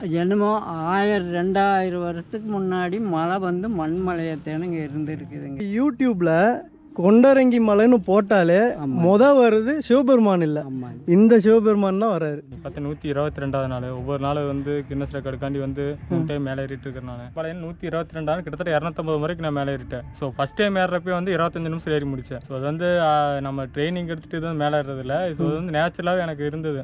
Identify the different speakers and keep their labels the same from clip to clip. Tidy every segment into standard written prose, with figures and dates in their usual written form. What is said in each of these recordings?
Speaker 1: என்னமோ 1000 2000 வருஷத்துக்கு முன்னாடி மழை வந்து மண்மலையத்தேனுங்க இருந்துருக்குதுங்க.
Speaker 2: யூடியூப்ல கொண்டரங்கி மலைன்னு போட்டாலே வருது சிவபெருமான் இல்லை, இந்த சிவபெருமான் தான் வர்றாரு.
Speaker 3: 122வது நாள் ஒவ்வொரு நாள் வந்து கின்னஸ் ரெக்கார்டுக்காண்டி வந்து 3 டைம் மேலே ஏறிட்டு இருக்கிறனால பழைய 122 கிட்டத்தட்ட 250 முறைக்கு நான் மேலே ஏறிட்டேன். ஸோ ஃபர்ஸ்ட் டைம் ஏறப்பே வந்து 25 நிமிஷம் ஏறி முடித்தேன். ஸோ அது வந்து நம்ம ட்ரைனிங் எடுத்துகிட்டு தான் மேலே ஏறதில்ல. ஸோ அது வந்து நேச்சுரலாகவே எனக்கு இருந்தது.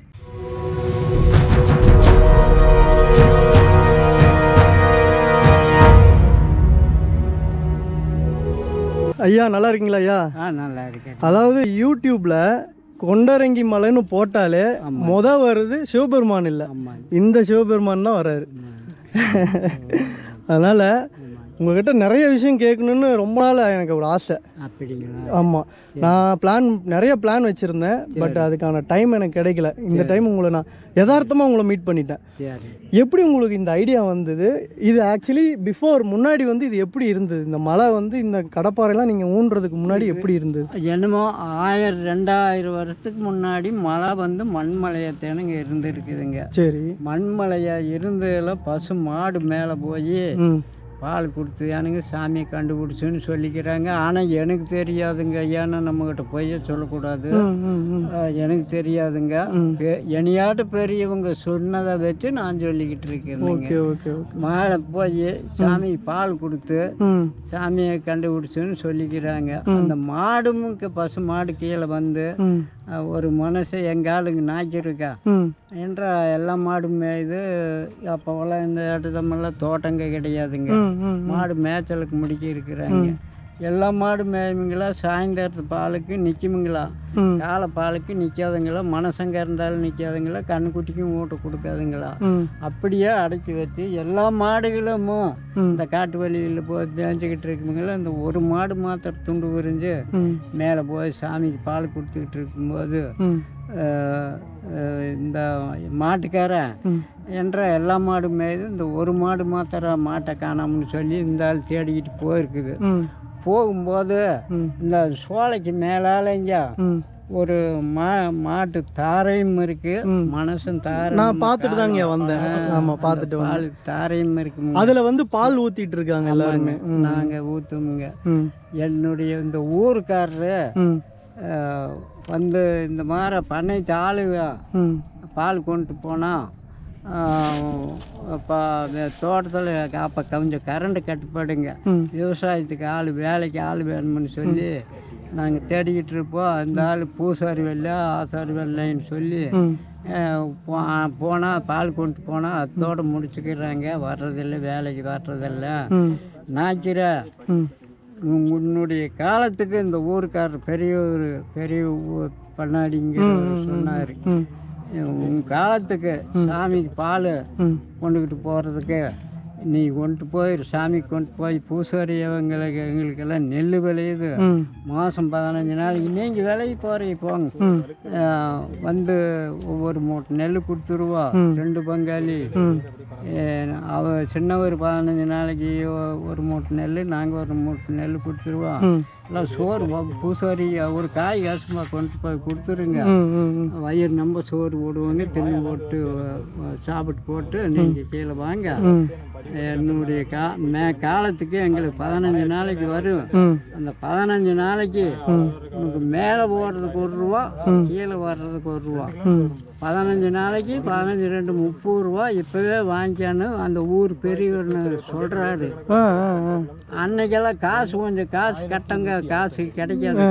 Speaker 2: ஐயா நல்லா இருக்கீங்களா ஐயா?
Speaker 1: நல்லா இருக்கேன்.
Speaker 2: அதாவது யூடியூப்ல கொண்டரங்கி மலைன்னு போட்டாலே வருது சிவபெருமான் இல்லை, இந்த சிவபெருமான் தான் வர்றாரு. அதனால உங்ககிட்ட நிறைய விஷயம் கேட்கணுன்னு ரொம்ப நாள் எனக்கு ஒரு ஆசை.
Speaker 1: அப்படிங்களா?
Speaker 2: ஆமாம், நான் நிறைய பிளான் வச்சுருந்தேன். பட் அதுக்கான டைம் எனக்கு கிடைக்கல. இந்த டைம் உங்களை நான் யதார்த்தமாக உங்களை மீட் பண்ணிட்டேன். எப்படி உங்களுக்கு இந்த ஐடியா வந்தது? இது ஆக்சுவலி முன்னாடி வந்து இது எப்படி இருந்தது? இந்த மலை வந்து இந்த கடப்பாறைலாம் நீங்கள் ஊன்றதுக்கு முன்னாடி எப்படி இருந்தது?
Speaker 1: என்னமோ 1000 2000 வருஷத்துக்கு முன்னாடி மழை வந்து மண்மலையத்தேனுங்க இருந்துருக்குதுங்க.
Speaker 2: சரி.
Speaker 1: மண்மலையா இருந்ததில் பசு மாடு மேலே போய் பால் கொடுத்து எனக்கு சாமியை கண்டுபிடிச்சுன்னு சொல்லிக்கிறாங்க. ஆனால் எனக்கு தெரியாதுங்க. ஏன்னா நம்மக்கிட்ட போய் சொல்லக்கூடாது. எனக்கு தெரியாதுங்க. என்னையாட்டு பெரியவங்க சொன்னதை வச்சு நான் சொல்லிக்கிட்டு இருக்கேன். மேலே போய் சாமிக்கு பால் கொடுத்து சாமியை கண்டுபிடிச்சுன்னு சொல்லிக்கிறாங்க. அந்த மாடும் பசு மாடு கீழே வந்து ஒரு மனசு எங்கள் ஆளுங்க நாய்க்கிருக்கா என்ற எல்லா மாடுமே இது அப்போவெல்லாம் இந்த இடத்தமெல்லாம் தோட்டங்க கிடையாதுங்க. மாடு மேய்ச்சலுக்கு முடிக்க இருக்கிறாங்க. எல்லா மாடு மேயுங்களா சாயந்தரத்து பாலுக்கு நிற்குமுங்களா, காலை பாலுக்கு நிற்காதுங்களா, மனசங்க இருந்தாலும் நிற்காதுங்களா, கண்ணுக்குட்டிக்கும் ஊட்ட கொடுக்காதுங்களா. அப்படியே அடைச்சி வச்சு எல்லா மாடுகளும் இந்த காட்டு வழியில் போய் மேய்ஞ்சிக்கிட்டு இருக்குங்களா. இந்த ஒரு மாடு மாத்திரம் துண்டு விரிஞ்சு மேலே போய் சாமிக்கு பால் கொடுத்துக்கிட்டு இருக்கும்போது இந்த மாட்டுக்காரன் என்ற எல்லா மாடு மேய்து இந்த ஒரு மாடு மாத்திரம் மாட்டை காணாமன்னு சொல்லி இந்த ஆள் தேடிக்கிட்டு போயிருக்குது. போகும்போது இந்த சோலைக்கு மேலாலைங்க ஒரு மாட்டு தாரையும் இருக்கு, மனசும் தாரை.
Speaker 2: நான் பார்த்துட்டு தாங்க வந்தேன். ஆமா, பார்த்துட்டு
Speaker 1: பால் தாரையும் இருக்கு.
Speaker 2: அதுல வந்து பால் ஊத்திட்டு இருக்காங்க எல்லாருமே.
Speaker 1: நாங்க ஊத்துமுங்க. என்னுடைய இந்த ஊருக்காரரு வந்து இந்த மாதிரி பண்ணைத்து ஆளுங்க பால் கொண்டு போனால் இப்போ தோட்டத்தில் அப்போ கொஞ்சம் கரண்ட் கட்டுப்பாடுங்க. விவசாயத்துக்கு வேலைக்கு ஆள் வேணும்னு சொல்லி நாங்கள் தேடிக்கிட்டு இருப்போம். அந்த ஆள் பூசாரி வெள்ளை ஆசாரி வெள்ளைன்னு சொல்லி போனால் பால் கொண்டு போனால் அதோடு முடிச்சுக்கிறாங்க. வர்றதில்லை, வேலைக்கு வர்றதில்லை. நாய்க்கிற உன்னுடைய காலத்துக்கு இந்த ஊருக்காரர் பெரிய பண்ணாடிங்க சொன்னார், உன் காலத்துக்கு சாமிக்கு பால் கொண்டுக்கிட்டு போகிறதுக்கு நீ கொண்டு போய் சாமிக்கு கொண்டு போய் பூசாரி எங்களுக்கெல்லாம் நெல் விளையுது. மாதம் 15 நாளைக்கு நீங்கள் விலைக்கு போகிறீங்க போங்க, வந்து ஒவ்வொரு மூட்டை நெல் கொடுத்துருவா. 2 பங்காளி சின்னவர் 15 நாளைக்கு ஒரு மூட்டை நெல், நாங்கள் ஒரு மூட்டை நெல் கொடுத்துருவோம். எல்லாம் சோறு பூசாரி ஒரு காய் காசுமாக கொண்டு போய் கொடுத்துருங்க, வயிறு நம்ம சோறு போடுவாங்க. தின்னு போட்டு சாப்பிட்டு போட்டு நீங்கள் கீழே வாங்க. என்னுடைய காலத்துக்கு எங்களுக்கு 15 நாளைக்கு வரும். அந்த 15 நாளைக்கு உனக்கு மேலே போடுறதுக்கு 1 ரூபா, கீழே வர்றதுக்கு 1 ரூபா. 15 நாளைக்கு 15 2 30 ரூபா இப்போவே வாங்கிக்கான்னு அந்த ஊர் பெரியவர் சொல்கிறாரு. அன்னைக்கெல்லாம் கொஞ்சம் காசு கட்டங்க, காசு கிடைக்காது.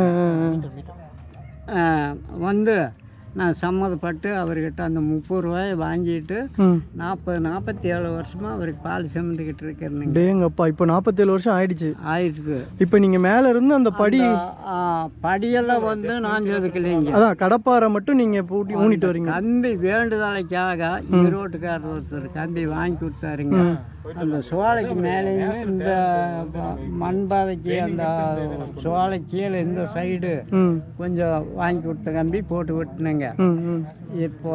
Speaker 1: வந்து நான் சம்மதப்பட்டு அவர்கிட்ட அந்த 30 ரூபாயை வாங்கிட்டு 47 வருஷமாக அவருக்கு பால் சுமந்துக்கிட்டு இருக்கிறேங்க.
Speaker 2: டேங்கப்பா, இப்போ 47 வருஷம் ஆயிடுச்சு. இப்போ நீங்கள் மேலே இருந்து அந்த
Speaker 1: படியெல்லாம் வந்து நான் சொதுக்கலைங்க.
Speaker 2: அதான் கடப்பாறை மட்டும் நீங்கள் ஊனிட்டு வரீங்க.
Speaker 1: கம்பி வேண்டுதலைக்காக ஈரோட்டுக்காரர் ஒருத்தர் கம்பி வாங்கி கொடுத்தாருங்க. அந்த சோலைக்கு மேலேயுமே இந்த மண்பாதைக்கு அந்த சோலை கீழே இந்த சைடு கொஞ்சம் வாங்கி கொடுத்த கம்பி போட்டு விட்டுனுங்க. போட்டாங்க. இப்போ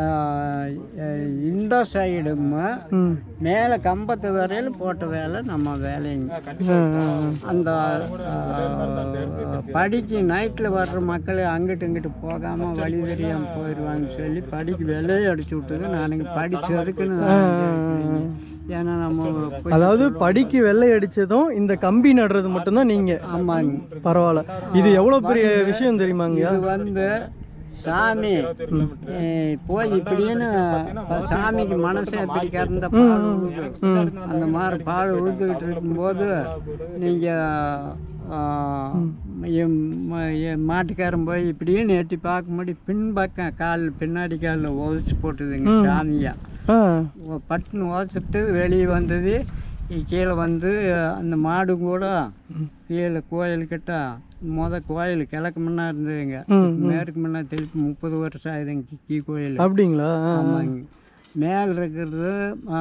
Speaker 1: இந்த சைடும் மேலே கம்பத்து வரையில் போட்ட வேலை நம்ம வேலைங்க. அந்த படிக்கு நைட்டில் வர்ற மக்கள் அங்கிட்டு இங்கிட்டு போகாமல் வழி தெரியாமல் போயிடுவாங்கன்னு சொல்லி படிக்கு விலையை அடிச்சு விட்டது நானுங்க படித்ததுக்குன்னு. ஏன்னா நம்ம
Speaker 2: அதாவது படிக்கு வெள்ளை அடிச்சதும் இந்த கம்பி நடுறது மட்டும்தான் நீங்க? ஆமாங்க. பரவாயில்ல. இது எவ்வளவு பெரிய விஷயம் தெரியுமாங்க? இது
Speaker 1: வந்து சாமி போய் இப்படின்னு சாமிக்கு மனசை எப்படி கறந்த பால் உழுது அந்த மாதிரி பால் உழுதுகிட்டு இருக்கும்போது நீங்கள் மாட்டுக்காரன் போய் இப்படின்னு எட்டி பார்க்கும்போது பின்பக்கம் கால் பின்னாடி காலில் உதச்சி போட்டுதுங்க சாமியா. பட்டுன்னு உதச்சிட்டு வெளியே வந்தது. கீழே வந்து அந்த மாடு கூட கீழே கோயில்கிட்ட கோயில் கிழக்கு முன்னா இருந்ததுங்க. மேற்கு முன்னா திருப்பி 30 வருஷம் ஆகுதுங்க கீ கோயில்.
Speaker 2: அப்படிங்களா?
Speaker 1: ஆமாங்க. மேலே இருக்கிறது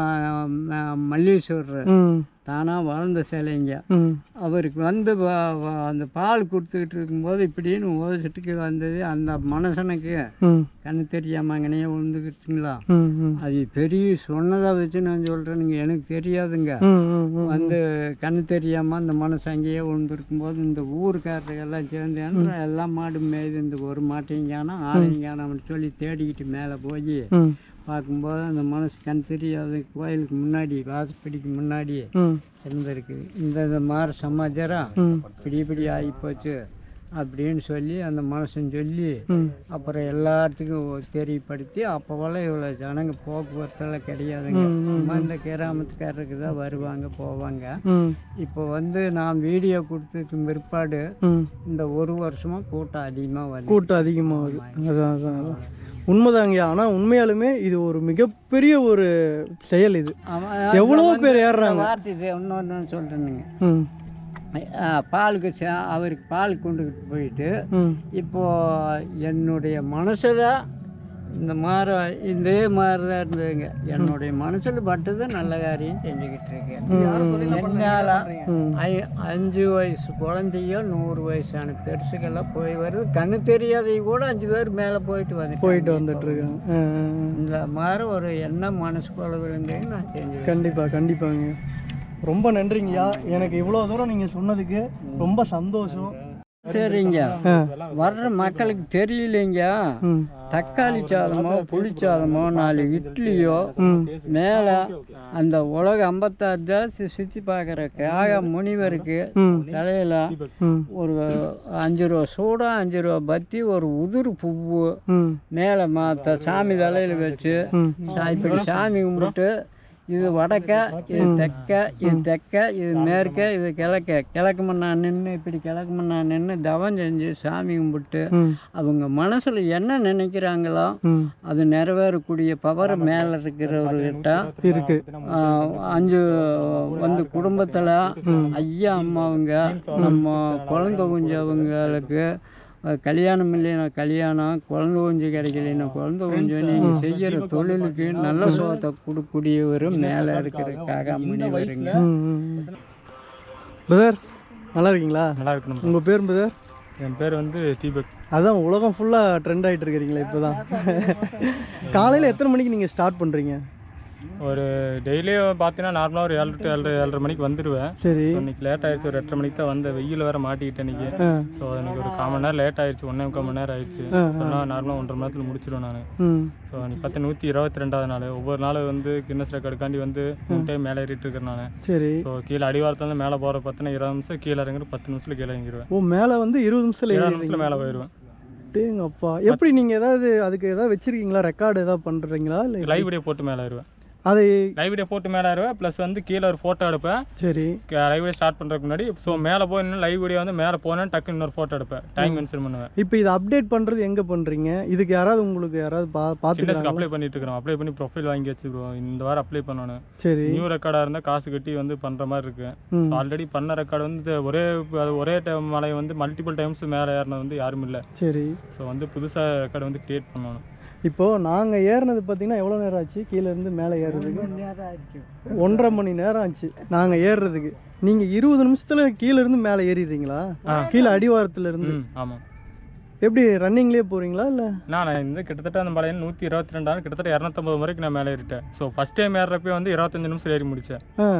Speaker 1: மல்லீஸ்வரர் தானாக வளர்ந்த சிலைங்க. அவருக்கு வந்து அந்த பால் கொடுத்துக்கிட்டு இருக்கும்போது இப்படின்னு உதச்சிட்டுக்கு வந்தது. அந்த மனுஷனுக்கு கண்ணு தெரியாமங்கனே விழுந்துக்கிட்டுங்களா. அது பெரிய சொன்னதை வச்சு நான் சொல்கிறேனுங்க, எனக்கு தெரியாதுங்க. வந்து கண்ணு தெரியாமல் அந்த மனுஷன் அங்கேயே விழுந்துருக்கும்போது இந்த ஊருக்காரர்களெல்லாம் சேர்ந்து எல்லாம் மாடு மேய்து இந்த ஒரு மாட்டையும் காணோம் ஆளையும் காணோம்னு சொல்லி தேடிக்கிட்டு மேலே போய் பார்க்கும்போது அந்த மனசு கண் தெரியாது கோயிலுக்கு முன்னாடி வாசப்படிக்கு முன்னாடி இருந்திருக்கு. இந்த மாதிரி சமாச்சாரம் இப்படி ஆகிப்போச்சு அப்படின்னு சொல்லி அந்த மனுஷன் சொல்லி அப்புறம் எல்லாத்துக்கும் தெரியப்படுத்தி அப்போவெல்லாம் இவ்வளோ ஜனங்க போக்குவரத்தெல்லாம் கிடையாதுங்க. இந்த கிராமத்துக்காரருக்கு தான் வருவாங்க போவாங்க. இப்போ வந்து நான் வீடியோ கொடுத்ததுக்கு பிற்பாடு இந்த ஒரு வருஷமாக கூட்டம் அதிகமாகுது. அதான்
Speaker 2: உண்மைதாங்க. ஆனால் உண்மையாலுமே இது ஒரு மிகப்பெரிய ஒரு செயல். இது எவ்வளோ பேர் ஏறுறாங்க.
Speaker 1: வார்த்தை இன்னொன்று சொல்கிறேனுங்க. பாலுக்கு அவருக்கு பால் கொண்டுக்கிட்டு போயிட்டு இப்போ என்னுடைய மனசில் இந்த மாதிரி இதே மாதிரி தான் இருந்ததுங்க. என்னுடைய மனசில் பட்டது நல்ல காரியம் செஞ்சுக்கிட்டு இருக்கேன். என்னால் 5 வயசு குழந்தையோ 100 வயசான பெருசுக்கெல்லாம் போய் வருது. கண்ணு தெரியாதையும் கூட 5 பேர் மேலே போயிட்டு வந்துட்டு இருக்காங்க. இந்த மாதிரி ஒரு எண்ணம் மனசுக்குள்ள விழுந்தேன்னு நான் செஞ்சேன்.
Speaker 2: கண்டிப்பாங்க. ரொம்ப நன்றிங்கய்யா. எனக்கு இவ்வளோ தூரம் நீங்கள் சொன்னதுக்கு ரொம்ப சந்தோஷம்.
Speaker 1: சரிங்க. வர்ற மக்களுக்கு தெரியலைங்க. தக்காளி சாதமோ புளி சாதமோ 4 இட்லியோ மேலே அந்த உலக 56 தேசத்தை சுற்றி பார்க்குற முனிவருக்கு தலையில ஒரு 5 ரூபா சூடா 5 ரூபா பத்தி ஒரு உதிர் பூவு மேலே சாமி தலையில் வச்சு இப்படி சாமி கும்பிட்டு இது வடக்க, இது தெக்க, இது மேற்க, இது கிழக்கு மண்ணா நின்று இப்படி கிழக்கு மண்ணா நின்று தவம் செஞ்சு சாமி கும்பிட்டு அவங்க மனசில் என்ன நினைக்கிறாங்களோ அது நிறைவேறக்கூடிய பவர் மேலே இருக்கிறவர்கிட்ட இருக்கு. 5 வந்து குடும்பத்தில் ஐயா அம்மாவுங்க நம்ம குழந்தை குஞ்சவங்களுக்கு கல்யாணம் இல்லைன்னா கல்யாணம், குழந்தை குஞ்சு கிடைக்கலைன்னா குழந்தை குஞ்சு நீங்கள் செய்கிற தொழிலுக்கு நல்ல சோத்தை கொடுக்கக்கூடியவரும் மேலே இருக்கிறதுக்காக முனிவருங்க.
Speaker 2: பிரதர் நல்லா இருக்கீங்களா?
Speaker 3: நல்லா இருக்கணும்.
Speaker 2: உங்கள் பேர் பிரதர்?
Speaker 3: என் பேர் வந்து தீபக்.
Speaker 2: அதான் உலகம் ஃபுல்லாக ட்ரெண்ட் ஆகிட்டு இருக்கிறீங்களா இப்போ தான்? காலையில் எத்தனை மணிக்கு நீங்கள் ஸ்டார்ட் பண்ணுறீங்க?
Speaker 3: ஒரு டெய்லியும் பார்த்தீங்கன்னா நார்மலாக ஒரு 7 to 7:30 மணிக்கு வந்துடுவேன். சரி. இன்னைக்கு லேட் ஆயிடுச்சு. ஒரு 8:30 மணிக்கு தான் வந்த. வெயில் வேறு மாட்டிக்கிட்டேன் இன்னைக்கு. ஸோ எனக்கு ஒரு 1/4 மணி நேரம் லேட் ஆயிடுச்சு. 1.25 மணி நேரம் ஆயிடுச்சு. சொன்னால் நார்மலாக 1.5 மணி நேரத்தில் முடிச்சிடுவேன் நான். ஸோ இன்னைக்கு பார்த்து 122வது நாள். ஒவ்வொரு நாள் வந்து கின்னஸ் ரெக்கார்டுக்காண்டி வந்து 3 டைம் மேலே ஏறிட்டு இருக்கிறேன் நான். சரி. ஸோ கீழே அடிவாரத்தில் மேலே போகிற பார்த்தீங்கன்னா 20 நிமிஷம், கீழே இறங்குற 10 நிமிஷத்தில் கீழே இறங்கிடுவேன்.
Speaker 2: ஓ, மேலே வந்து 20 நிமிஷத்தில்
Speaker 3: மேலே போயிடுவேன்.
Speaker 2: அப்பா எப்படி நீங்கள் ஏதாவது அதுக்கு ஏதாவது வச்சிருக்கீங்களா? ரெக்கார்டு ஏதாவது பண்ணுறீங்களா? இல்லை
Speaker 3: லைவ் வீடியோ போட்டு மேலே ஏறுவேன்.
Speaker 2: அது
Speaker 3: லைவ் வீடியோ போட்டு மேலே ஏறுவேன். ப்ளஸ் வந்து கீழே ஒரு ஃபோட்டோ எடுப்பேன். சரி. லைவ் வீடியோ ஸ்டார்ட் பண்ணுறதுக்கு முன்னாடி ஸோ மேலே போய் இன்னும் லைவ் வீடியோ வந்து மேலே போனேன் டக்குன்னு இன்னொரு ஃபோட்டோ எடுப்பேன். டைம் மென்ஷன் பண்ணுவேன்.
Speaker 2: இப்போ இதை அப்டேட் பண்ணுறது எங்கே பண்ணுறீங்க? இதுக்கு யாராவது உங்களுக்கு யாராவது பார்த்து
Speaker 3: அப்ளை பண்ணிட்டு இருக்கிறோம். அப்ளை பண்ணி ப்ரொஃபைல் வாங்கி வச்சுருவோம். இந்த வாரம் அப்ளை பண்ணணும். சரி. நியூ ரெக்கார்டாக இருந்தால் காசு கட்டி வந்து பண்ணுற மாதிரி இருக்கு. ஆல்ரெடி பண்ண ரெக்கார்டு வந்து ஒரே டைம் மலை வந்து மல்டிபிள் டைம்ஸ் மேலே ஏறினது வந்து யாரும் இல்லை. சரி. ஸோ வந்து புதுசாக ரெக்கார்டு வந்து கிரியேட் பண்ணணும். இப்போது நாங்கள் ஏறினது பார்த்தீங்கன்னா எவ்வளோ நேரம் ஆச்சு? கீழேருந்து மேலே ஏறுறதுக்கு 1.5 மணி நேரம் ஆச்சு நாங்கள் ஏறுறதுக்கு. நீங்கள் 20 நிமிஷத்தில் கீழேருந்து மேலே ஏறிடுறீங்களா? கீழே அடிவாரத்துலேருந்து? ஆமாம்.
Speaker 2: எப்படி ரன்னிங்லேயே போகிறீங்களா இல்லை?
Speaker 3: நான் இந்த கிட்டத்தட்ட அந்த மலையில் 122 கிட்டத்தட்ட 250 முறைக்கு நான் மேலே ஏறிட்டேன். ஸோ ஃபஸ்ட் டைம் ஏறுறப்பே வந்து 25 நிமிஷம் ஏறி முடித்தேன்.
Speaker 2: ஆ.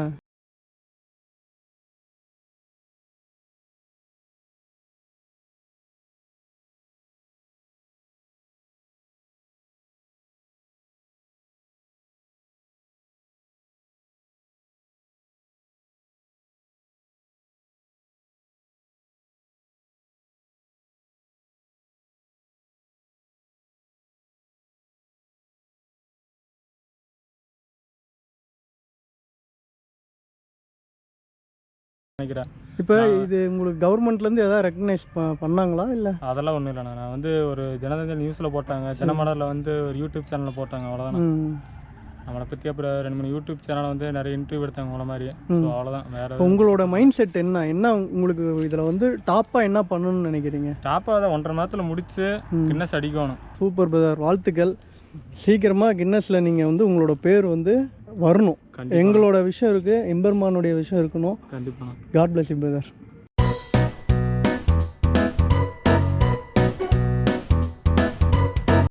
Speaker 3: நினைக்கிறேன்.
Speaker 2: இப்போ இது உங்களுக்கு கவர்மெண்ட்லேருந்து எதாவது ரெக்கக்னைஸ் பண்ணாங்களா இல்லை?
Speaker 3: அதெல்லாம் ஒன்றும் இல்லைண்ணா. நான் வந்து ஒரு தினத்தந்தி நியூஸில் போட்டாங்க, தினமலரில் வந்து ஒரு யூடியூப் சேனலில் போட்டாங்க, அவ்வளோதான். நம்மளை பற்றி அப்புறம் 2-3 யூடியூப் சேனலில் வந்து நிறைய இன்டர்வியூ எடுத்தாங்க உங்களை மாதிரி. ஸோ அவ்வளோதான். வேறு
Speaker 2: உங்களோட மைண்ட் செட் என்ன உங்களுக்கு இதில் வந்து டாப்பாக என்ன பண்ணணும்னு நினைக்கிறீங்க?
Speaker 3: டாப்பாக அதை 1.5 மாதத்தில் முடிச்சு கின்னஸ் அடிக்கணும்.
Speaker 2: சூப்பர் பிரதர், வாழ்த்துக்கள். சீக்கிரமாக கின்னஸில் நீங்கள் வந்து உங்களோட பேர் வந்து வரணும். எங்களோட விஷயம் இருக்குது, எம்பெருமானுடைய விஷயம் இருக்கணும்.
Speaker 3: கண்டிப்பாக.
Speaker 2: God bless you brother.